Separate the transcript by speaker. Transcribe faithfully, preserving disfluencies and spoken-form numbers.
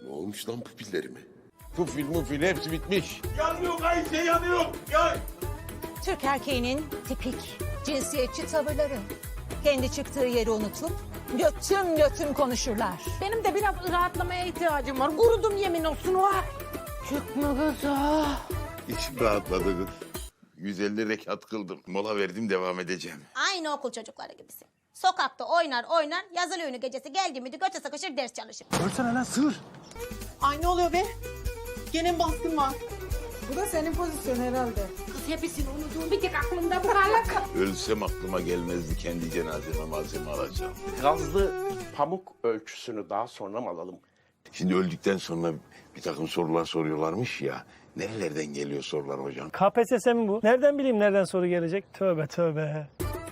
Speaker 1: Ne olmuş lan pupillerime?
Speaker 2: Pufil mufil hepsi bitmiş.
Speaker 3: Yanıyor Ayşe yanıyor. Ya.
Speaker 4: Türk erkeğinin tipik cinsiyetçi tavırları. Kendi çıktığı yeri unutup götüm götüm konuşurlar.
Speaker 5: Benim de biraz rahatlamaya ihtiyacım var. Kurudum yemin olsun o. Çıkma kız ha.
Speaker 2: İçim rahatladı kız. yüz elli rekat kıldım. Mola verdim, devam edeceğim.
Speaker 6: Aynı okul çocukları gibisin. Sokakta oynar oynar, yazılı ünlü gecesi geldi miydi göçe sıkışır ders çalışır.
Speaker 3: Görsene lan sığır.
Speaker 7: Ay ne oluyor be? Gene baskın var. Bu da senin pozisyon herhalde.
Speaker 5: Kız hepsini unuttuğum bir tek aklımda bu kalak.
Speaker 2: Ölsem aklıma gelmezdi kendi cenazeme malzeme alacağım.
Speaker 3: Gazlı pamuk ölçüsünü daha sonra mı alalım?
Speaker 2: Şimdi öldükten sonra bir takım sorular soruyorlarmış ya. Nerelerden geliyor sorular hocam?
Speaker 8: K P S S mi bu? Nereden bileyim nereden soru gelecek? Tövbe tövbe.